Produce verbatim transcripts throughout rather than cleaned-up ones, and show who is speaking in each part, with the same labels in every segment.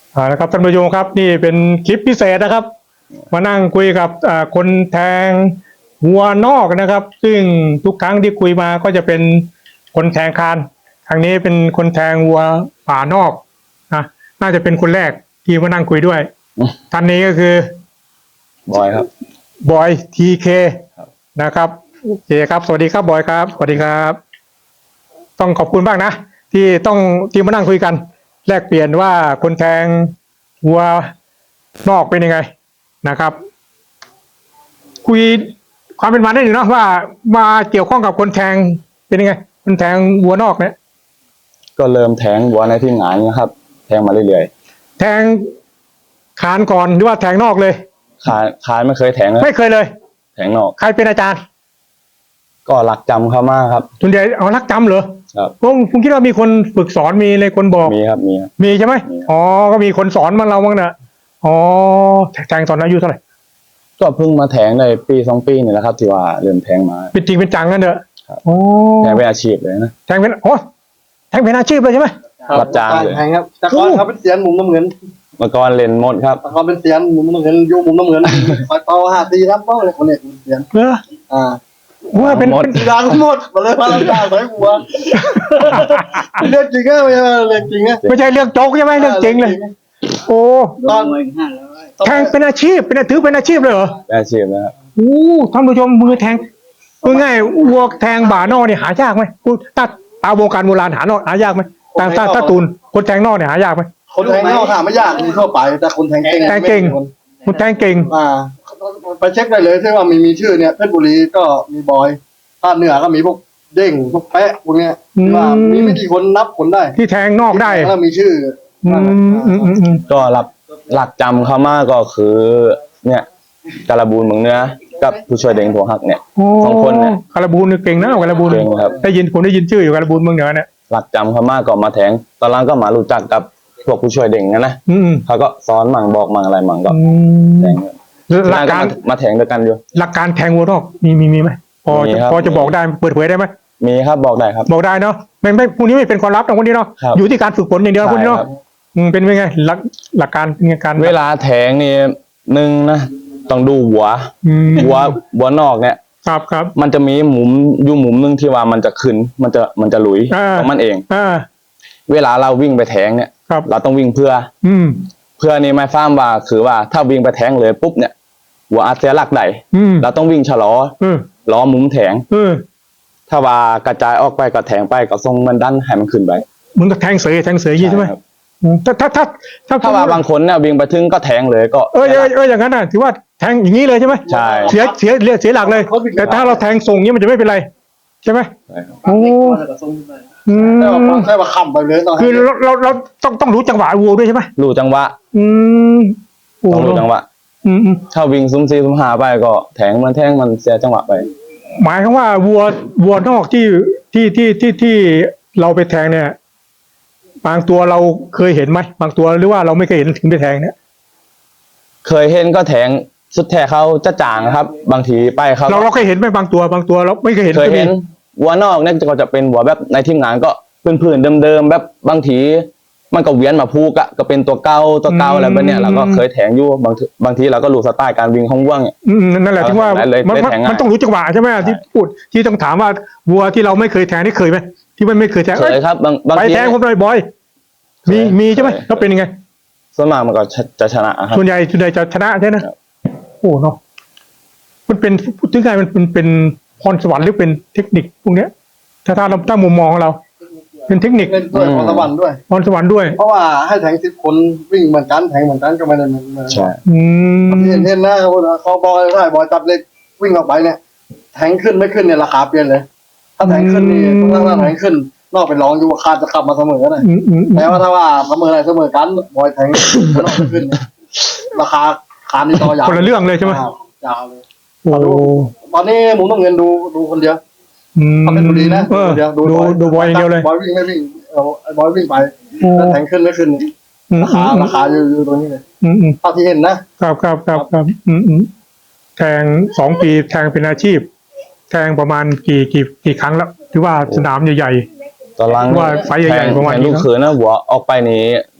Speaker 1: อ่านะครับท่านผู้ชมครับนี่เป็นคลิปพิเศษนะครับมานั่งคุยกับคนแทงวัวนอกนะครับซึ่งทุกครั้งที่คุยมาก็จะเป็นคนแทงคานครั้งนี้เป็นคนแทงวัวป่านอกนะน่าจะเป็นคนแรกที่มานั่งคุยด้วยท่านนี้ก็คือบ
Speaker 2: อยครับ
Speaker 1: บอยทีเคนะครับโอเคครับสวัสดีครับบอยครับสวัสดีครับต้องขอบคุณมากนะที่ต้องที่มานั่งคุยกันแลกเปลี่ยนว่าคนแทงวัวนอกเป็นยังไงนะครับคุยความเป็นมาได้หนึ่งเนาะว่ามาเกี่ยวข้องกับคนแทงเป็นยังไงคนแทงวัวนอกเนี่ย
Speaker 2: ก็เริ่มแทงวัวในที่งานนะครับแทงมาเรื่อย
Speaker 1: ๆแทงขานก่อนหรือว่าแทงนอกเลย
Speaker 2: ขานขานไม่เคยแทงเลย
Speaker 1: ไม่เคยเลย
Speaker 2: แทงนอก
Speaker 1: ใครเป็นอาจารย์
Speaker 2: ก็หลักจำเขามากครับ
Speaker 1: ส่วนใหญ่เอารักจำเหรอ
Speaker 2: ครับ
Speaker 1: ผมผมคิดว่ามีคนฝึกสอนมีเลยคนบอก
Speaker 2: มีครับมีครับ
Speaker 1: มีใช่ไหมอ๋อก็มีคนสอนมาเราบ้างนะอ๋อแทงตอนอายุเท่าไหร่
Speaker 2: ก็เพิ่งมาแทงในปีสองปีนี่แหละครับที่ว่าเริ่มแทงมา
Speaker 1: เป็นจริงเป็นจังกันเถอะ
Speaker 2: โอ้แทงเป็นอาชีพเลยนะ
Speaker 1: แทงเป็นโอ้แทงเป็นอาชีพเลยใช่ไหม
Speaker 2: รับจ้างเลย
Speaker 3: แทงครับแต่ก่อนเขาเป็นเสียนหมุนน้ำเงิน
Speaker 2: เมื่อก่อนเล่นหมดครับ
Speaker 3: เขาเป็นเสียนหมุนน้ำเงินยุ่งหมุนน้ำเงินคอยเป่าหาตีรับเป้าเลยคนเนี้ยเสียน
Speaker 1: เออ
Speaker 3: อ่า
Speaker 1: ว่าเป็นเป็น
Speaker 3: ดังหมดมาเลยมาแล้วจ้าใส่หัวเรื่องจริงก็ไม่ใช่เรื่องจริง
Speaker 1: ไม่ใช่เรื่องโจ๊กใช่ไหมเรื่องจริงเลยโอ้ตอนแทงเป็นอาชีพเป็นถือเป็นอาชีพเลยเหรอ
Speaker 2: เป็นอาชีพนะครับ
Speaker 1: โอ้ท่านผู้ชมมือแทงมือง่ายวัวแทงบ่านอกเนี่ยหายากไหมกูตัดตาวงการโบราณหานอกหายากไหมแต่ถ้าถ้าตูนคนแทงนอกเนี่ยหายากไหม
Speaker 3: คนแทงนอกหาไม่ยากมีทั่วไปแต่คนแทงเก่ง
Speaker 1: แทงเก่งคนแทงเก่ง
Speaker 3: อ่าไปเช็คได้เลยที่ว่ามีมีชื่อเนี่ยเพชรบุรีก็มีบอยภาคเหนือก็มีพวกเด้งพวกแปะพวกเนี้ยว่ามีไม่กี่คนนับคนได้
Speaker 1: ที่แทงนอกได้
Speaker 3: แล้วมีชื่อ
Speaker 2: ก็รับหลักจำเขามากก็คือเนี่ยการบูนเมืองเนื้อกับผู้ช่วยเด้งหัวหักเนี่ยสองคนเนี่ย
Speaker 1: การบูนเก่งนะการบูน
Speaker 2: เก่งครับ
Speaker 1: ได้ยินผมได้ยินชื่ออยู่การบูนเมืองเหนือเนี่ย
Speaker 2: หลักจำเขามากก็มาแทงตอนหลังก็มารู้จักกับพวกผู้ช่วยเด้งนะนะเขาก็สอนมั่งบอกมั่งอะไรมั่งก็แทงหลักการมาแทงด้วยกันอยู่
Speaker 1: หลักการแทงวัวนอกมีมีมีไหมพอพอจะบอกได้เปิดเผยได้ไหม
Speaker 2: มีครับบอกได้ครับ
Speaker 1: บอกได้เนาะไม่ไม่พวกนี้ไม่เป็นความลับนะพวกนี้เนาะอยู่ที่การฝึกฝนอย่างเดียวพวกนี้เนาะเป็นยังไงหลักหลักการเป็นการ
Speaker 2: เวลาแทงนี่หนึ่งนะต้องดูหัวหัวหัวนอกเนี่ย
Speaker 1: ครับครับ
Speaker 2: มันจะมีหมุมอยู่หมุมหนึ่งที่ว่ามันจะขึ้นมันจะมันจะหลุยของมันเองเวลาเราวิ่งไปแทงเนี่ยเราต้องวิ่งเพื่อ
Speaker 1: อืม
Speaker 2: เพื่อนี่หมายความว่าคือว่าถ้าวิ่งไปแทงเลยปุ๊บเนี่ยหัวอาจจะลักได้เราต้องวิ่งชะลอล้อมุมแทงถ้าว่ากระจายออกไปก็แทงไปก็ทรงมันดันให้มันขึ้นไป
Speaker 1: มึงก็แทงเสยแทงเสยยี่ใช่ไหมถ้าถ้าถ้า
Speaker 2: ถ้าถ้าว่าบางคนเนี่ยวิ่งไปถึงก็แทงเลยก็
Speaker 1: เออเออเอออย่างนั้นน่ะถือว่าแทงอย่างนี้เลยใช่ไหม
Speaker 2: ใช่
Speaker 1: เสียเสียเสียหลักเลยแต่ถ้าเราแทงส่งนี้มันจะไม่เป็นไรใช่ไหมโอ้
Speaker 3: แต่ว่าแค่ว่าค้ำไปเลย
Speaker 1: คือเราเราเราต้องต้องรู้จังหวะวัวด้วยใช่ไหม
Speaker 2: รู้จังหวะ
Speaker 1: อืม
Speaker 2: ต้องรู้จังหวะ
Speaker 1: อืม
Speaker 2: ถ้าวิ่งซุ้มซีซุ้มหาไปก็แทงมันแทงมันเสียจังหวะไป
Speaker 1: หมายถึงว่าวัววัวนอกที่ที่ที่ที่ที่เราไปแทงเนี่ยบางตัวเราเคยเห็นไหมบางตัวหรือว่าเราไม่เคยเห็นถึงไปแทงเนี่ย
Speaker 2: เคยเห็นก็แทงสุดแท้เขาจะจางครับบางทีไปเขา
Speaker 1: เราเราเคยเห็นไหมบางตัวบางตัวเราไม่เคยเห็น
Speaker 2: เคยเห็นวัวนอกเนี่ยก็จะเป็นวัวแบบในทีมงานก็พื้นๆเดิมๆแบบบางทีมันก็เวียนมาพูกะก็เป็นตัวเก่าตัวเก่าอะไรแบบเนี้ยเราก็เคยแทงอยู่บางบางทีเราก็รู้สไตล์การวิ่งของวัวเนี่ย
Speaker 1: นั่นแหละที่ว่ามันมันต้องรู้จังหวะใช่ไหมที่พูดที่ต้องถามว่าวัวที่เราไม่เคยแทงนี่เคยไหมที่มันไม่เคยแทง
Speaker 2: เคยครับบางบาง
Speaker 1: ทีไปแทงผมเลยบอยมีมีใช่ไหมแล้วเป็นยังไง
Speaker 2: ส่วนมากมันก็จะชนะครับ
Speaker 1: ส่วนใหญ่ส่วนใหญ่จะชนะใช่ไหมโอ้เนาะมันเป็นพูดถึงไงมันเป็นเป็นพรสวรรค์หรือเป็นเทคนิคพวกเนี้ยถ้าถ้าเราตั้งมุมมองของเราเป็นเทคนิค
Speaker 3: ด้วยพรสวรรค์ด้วย
Speaker 1: พรสวรรค์ด้วย
Speaker 3: เพราะว่าให้แทงสิบคนวิ่งเหมือนกันแทงเหมือนกันก็ไม่ได้เหมือน
Speaker 2: ใช่
Speaker 3: เห็นเห็นนะเขาบอยได้บอยจับเล็กวิ่งออกไปเนี่ยแทงขึ้นไม่ขึ้นเนี่ยราคาเปลี่ยนเลยถ้าแทงขึ้นนี่ถ้าแทงขึ้นนอกไปร้องอยู่ว่าคาจะกลับมาเสมอเลยแต่ว่าถ้าว่าเสมออะไรเสมอกันบอยแทงนอกขึ้นราคาคานี่ต่อยาว
Speaker 1: คนละเรื่องเลยใช่ไหม
Speaker 3: ยาวเลยตอนนี้หมุนต้องเงินดูดูคนเดียวเขาเป็นคนดีนะ
Speaker 1: เดียวดูดูบอยอย่างเดียวเลย
Speaker 3: บอยวิ่งไม่วิ่งเอาบอยวิ่งไปแทงขึ้นไม่ขึ้นราคาราคาอยู่อยู่ตรงนี้เลยเท่าที่เห็น
Speaker 1: นะครับครับครับครับแทงสองปีแทงเป็นอาชีพแทงประมาณกี่กี่กี่ครั้งแล้วที่ว่าสนามใหญ่
Speaker 2: ๆตอนหลัง
Speaker 1: ว่าไฟใหญ่ๆประมาณ
Speaker 2: ลูกเขยนะหัวออกไปนี้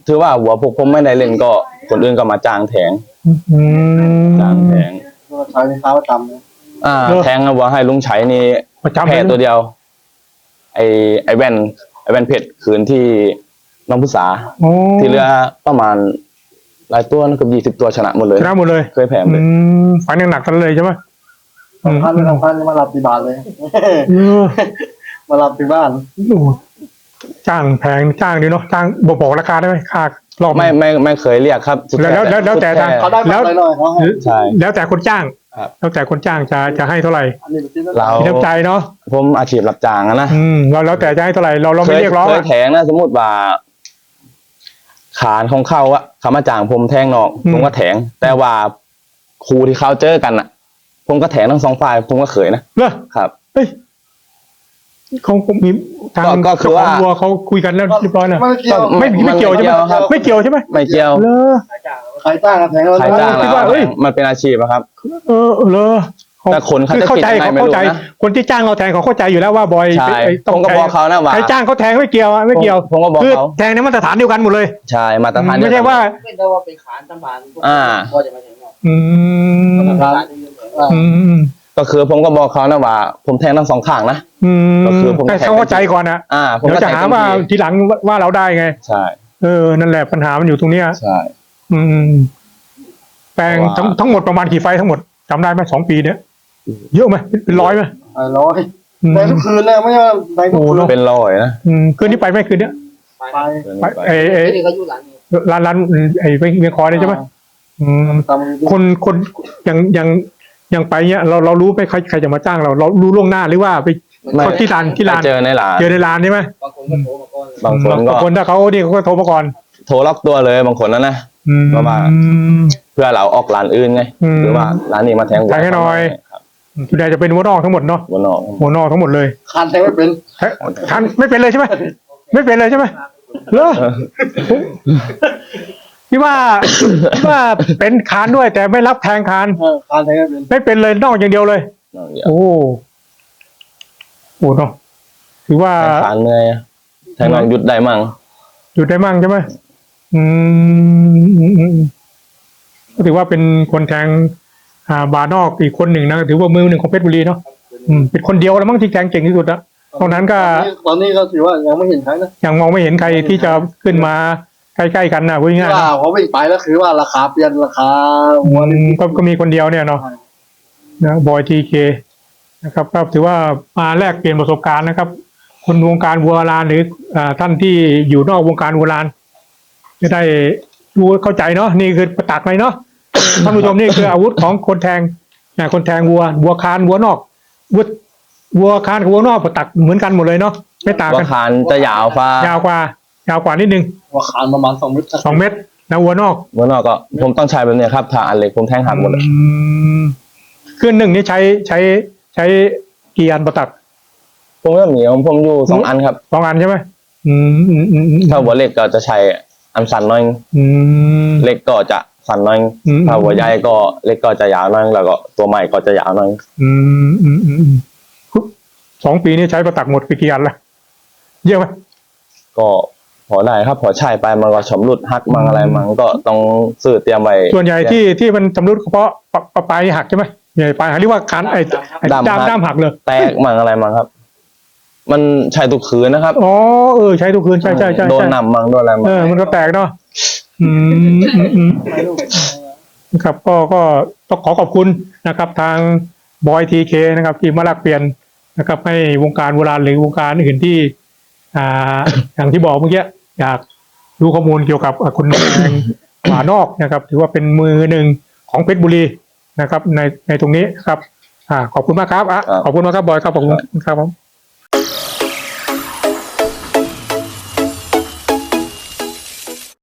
Speaker 2: ถือว่าหัวพวกผมไม่ได้เล่นก็คนอื่นก็มาจ้างแทง
Speaker 1: อืม
Speaker 2: จ้างแทง
Speaker 3: ก็ใช้ในเท้าประจำเลย
Speaker 2: อ่า
Speaker 1: เออ
Speaker 2: แทงหัวให้ลุงชัยนี่
Speaker 1: ประจำ
Speaker 2: แพ้
Speaker 1: เลย
Speaker 2: ตัวเดียว ไอไอแว่นไอแว่นเพชรคืนที่น้องพุษา
Speaker 1: โอ้
Speaker 2: ที่เหลือประมาณหลายตัวนะเกือบยี่สิบตัวชนะหมดเลย
Speaker 1: ชนะหมดเลย
Speaker 2: เคยแพ้หมด
Speaker 1: อื
Speaker 2: เลย
Speaker 1: มฝันยังหนักกันเลยใช่ไหมอืม
Speaker 3: สำคัญไม่สำคัญมารับที่บ้านเลย
Speaker 1: เออ
Speaker 3: มารับที่บ้าน
Speaker 1: โอ้จ้างแพงจ้างดีเนาะจ้างบอกบอกราคาได้ไหมค่ารอบ
Speaker 2: ไม่ไม่ไม่เคยเรียกครับสุด
Speaker 1: แล้วแล้วแล้วแต่
Speaker 2: สุด
Speaker 1: ทาง
Speaker 3: เขาได้มาหน่อยๆเขาให้
Speaker 2: ใช่
Speaker 1: แล้วแต่คนจ้าง
Speaker 2: ครับ
Speaker 1: แล้วแต่คนจ้างจะจะให้เท่าไหร่
Speaker 3: อันนี้เป็นที่นั่น
Speaker 2: เรา
Speaker 1: มีน้ำใจเนาะ
Speaker 2: ผมอาชีพรับจ้างอะนะ
Speaker 1: อืมเราแล้วแต่จะให้เท่าไหร่เราเรา
Speaker 2: เค
Speaker 1: ไม่
Speaker 2: ย
Speaker 1: เรียกร้อง
Speaker 2: เคย
Speaker 1: อะ
Speaker 2: แทงนะสมมติว่าขานของเขาอะเขามาจ้างผมแทงนอก
Speaker 1: อืม
Speaker 2: ผมก็แทง แต่ว่าครูที่เขาเจอกันอะผมก็แทงทั้งสองฝ่ายผมก็เคยนะ
Speaker 1: เนอะ
Speaker 2: ครับ
Speaker 1: เฮ้ยเขาคงมีทาง
Speaker 2: ก็ก็คือว่า
Speaker 1: เจ้ขงวัวเขาคุยกันแล้วเรียบร้อยนะ
Speaker 3: ไม่เกี่ยว
Speaker 1: ไม่ไม่เกี่ยวใช่ไหม
Speaker 2: ครับ
Speaker 1: ไม่เกี่ยวใช่ไหม
Speaker 2: ไม่เกี่ยว
Speaker 1: เลอ
Speaker 3: ใครจ้างกันแทงเรา
Speaker 2: ใครจ้าง
Speaker 1: คิด
Speaker 2: แล้ว
Speaker 1: ว่าเอ้ย
Speaker 2: มันเป็นอาชีพอะครับ
Speaker 1: เออเลอ
Speaker 2: แต่คนเขาจะ
Speaker 1: เข้าใจ
Speaker 2: คิดยังไง
Speaker 1: เขาเข้าใจ
Speaker 2: ไม่รู้นะ
Speaker 1: คนที่จ้างเราแทงเขาเข้าใจอยู่แล้วว่าบอย
Speaker 2: ใช่
Speaker 1: ไอ้
Speaker 2: ผมก็บอกเขานะว่า
Speaker 1: ใครจ้างเขาแทงไม่เกี่ยวอะไม่เกี่ยว
Speaker 2: ผมก็บอก
Speaker 1: คือ
Speaker 2: เขา
Speaker 1: แทงในมาตรฐานเดียวกันหมดเลย
Speaker 2: ใช่มาตรฐาน
Speaker 1: ไม่ใช่ว่า
Speaker 4: ไม่ได้ว่าเป็นขานตำบาน
Speaker 2: อ่า
Speaker 4: ก็จะมาถึงเนาะ
Speaker 1: อืม
Speaker 4: มาตรฐานนี่เลย
Speaker 3: อ่า
Speaker 1: อืม
Speaker 2: ก็คือผมก็บอกเขานะว่า ผมแทงทั้งสองข้างนะ
Speaker 1: อืม
Speaker 2: ก็คือผม
Speaker 1: ให้เขาเข้าใจก่อนนะ
Speaker 2: อ่า ผม
Speaker 1: เดี๋ยว
Speaker 2: ก็
Speaker 1: จะ
Speaker 2: แทง
Speaker 1: หา
Speaker 2: เต็ม
Speaker 1: ว่า
Speaker 2: ที่
Speaker 1: ทีหลังว่าเราได้ไง
Speaker 2: ใช่
Speaker 1: เออนั่นแหละปัญหามันอยู่ตรงเนี้ย
Speaker 2: ใช่
Speaker 1: อืมแปลง
Speaker 2: เพราะว่า
Speaker 1: ทั้งทั้งหมดประมาณกี่ไฟล์ทั้งหมดจำได้ไหมสองปีเนี้ยเยอะไหมเป็นร้อยไหม
Speaker 3: ไอ้ร้อย
Speaker 1: อืม
Speaker 3: แต่ทุกคืนเลยไม่ใช่ว่าในทุกคืน
Speaker 2: เป็นร้อยนะ
Speaker 1: อืมคืนนี้ไปไหมคืนเนี้ย
Speaker 4: ไป
Speaker 3: ไป
Speaker 1: ไปไอ้ไอ้
Speaker 4: ไอ้นี่ก็อยู่หลังนี่
Speaker 1: ร้านร้านไอ้เวียงคอเนี่ยใช่ไหมอืม
Speaker 3: ตาม
Speaker 1: คนคนยังยังยังไปเนี้ยเราเรารู้ไหมใครใครจะมาจ้างเราเรารู้ล่วงหน้าหรือว่าไป
Speaker 2: ไม่
Speaker 1: เขาที่ร้านที่ร้าน
Speaker 2: ไปเจอในร้าน
Speaker 1: เจอในร้านใช่ไหม
Speaker 4: บางคนก็โทรมาก่อนเลย
Speaker 2: บางคนก็
Speaker 1: บางคนถ้าเขานี่เขาก็โทรมาก่อน
Speaker 2: โทรล็อกตัวเลยบางคนนะนะ
Speaker 1: อืม
Speaker 2: ประมาณ เพื่อเราออกร้านอื่นไง
Speaker 1: อืม
Speaker 2: หรือว่าร้านนี้มาแทง
Speaker 1: แทงให้หน่อย
Speaker 2: ครับ
Speaker 1: ส่วนใหญ่จะเป็นหัวนอกทั้งหมดเนาะ
Speaker 2: หัวนอก
Speaker 1: หัวนอกทั้งหมดเลย
Speaker 3: คานแทงไม่เป็น
Speaker 1: เฮ้ยทันไม่เป็นเลยใช่ไหมไม่เป็นเลยใช่ไหมเหรอพี่ว่าพี่ว่าเป็นคานด้วย แต่ไม่รับแทงคาน
Speaker 3: เออคานแทงไม่เป็น
Speaker 1: ไม่เป็นเลยนอกอย่างเดียวเลย
Speaker 2: นอกเดียว
Speaker 1: โอ้โหเนาะถือว่า
Speaker 2: แทงขาเหนื่อยแทงนอกหยุดได้มั่ง
Speaker 1: หยุดได้มั่งใช่ไหมอืมอืมอืมก็ถือว่าเป็นคนแทง อ่าบาร์นอกอีกคนหนึ่งนะถือว่ามือหนึ่งของเพชรบุรีเนาะอืมเป็นคนเดียวแล้วมั้งที่แทงเก่งที่สุดละตอนนั้นก็
Speaker 3: ตอนนี้ก็ถือว่ายังไม่เห็นใครนะ
Speaker 1: ยังมองไม่เห็นใครที่จะขึ้นมาใกล้ๆกันนะพูดง่ายๆ
Speaker 3: ว่า
Speaker 1: นะ
Speaker 3: พอวิ่งไปแล้วคือว่าราคาเปลี่ยนราคาหัว
Speaker 1: อื
Speaker 3: นี่
Speaker 1: มก็ก็มีคนเดียวเนี่ยเนาะนะบอยทีเคนะครับก็ถือว่ามาแลกเปลี่ยนประสบการณ์นะครับ คนวงการวัวลานหรืออ่าท่านที่อยู่นอกวงการวัวลานจะได้รู้เข้าใจเนาะนี่คือประตักเลยเนาะ ท่านผู้ชมนี่คืออาวุธของคนแทงนะคนแทงวัววัวคานวัวนอกวัววัวคานกับวัวนอกประตักเหมือนกันหมดเลยเนาะไม่ต่าง
Speaker 2: ว่า
Speaker 1: กัน
Speaker 2: คานจะยาวฟ้าย
Speaker 1: าวกว่ายาวกว่านิดนึง
Speaker 3: ว่าคานประมาณสองเมตร
Speaker 1: สองเมตรนะวัวนอก
Speaker 2: หัวนอกก็ผมต้องใช้แบบเนี้ยครับถ้าอันเล็กผมแทงหักหมดเลย
Speaker 1: อืมเครื่องหนึ่งนี่ใช้ใช้ใช้กี่อันประตัก
Speaker 2: ผมก็มีของผมอยู่สองอันครับ
Speaker 1: สองอันใช่ไหมอืมอืมอืมอืม
Speaker 2: ถ้าหัวเล็กก็จะใช้อันสั้นหน้อย
Speaker 1: อืม
Speaker 2: เล็กก็จะสั้นหน้อย
Speaker 1: อืม
Speaker 2: ถ้าหัวใหญ่ก็เล็กก็จะยาวหน้อยแล้วก็ตัวใหม่ก็จะยาวหน้อย
Speaker 1: อืมอืมอืมอืมสองปีนี้ใช้ประตักหมดไปกี่อันละเยอะไหม
Speaker 2: ก็พอได้ครับพอใช้ไปมันก็ชำรุดหักมังอะไรมังก็ต้องซื้อเตรียมไว้
Speaker 1: ส่วนใหญ่ที่ที่มันชำรุดเพราะปะปะปลายหักใช่ไหมใหญ่ปลายหักเรียกว่าคันไอ้ไอ้ด้ามด้ามหักเลย
Speaker 2: แตกมังอะไรมังครับ มันใช้ทุกคืนนะครับ
Speaker 1: อ๋อเออใช้ทุกคืนใช่ใช่ใช่
Speaker 2: โดน
Speaker 1: ใช่
Speaker 2: นำมังโดนอะไรมัง
Speaker 1: เออมันก็แตกเนาะอืมอืมอืม
Speaker 3: ไม่รู้
Speaker 1: นะครับก็ก็ต้องขอขอบคุณนะครับ ทางบอยทีเคนะครับ ที่มาแลกเปลี่ยนนะครับ ให้วงการโบราณหรือวงการอื่นที่ อ่า อย่างที่บอกเมื่อกี้อยากรู้ข้อมูลเกี่ยวกับอ่ะคุณแดง หมานอกนะครับ ถือว่าเป็นมือหนึ่งของเพชรบุรีนะครับ ในในตรงนี้นะครับ อ่า ขอบคุณมากครับอ่ะขอบคุณมากครับบอยครับขอบคุณครับผม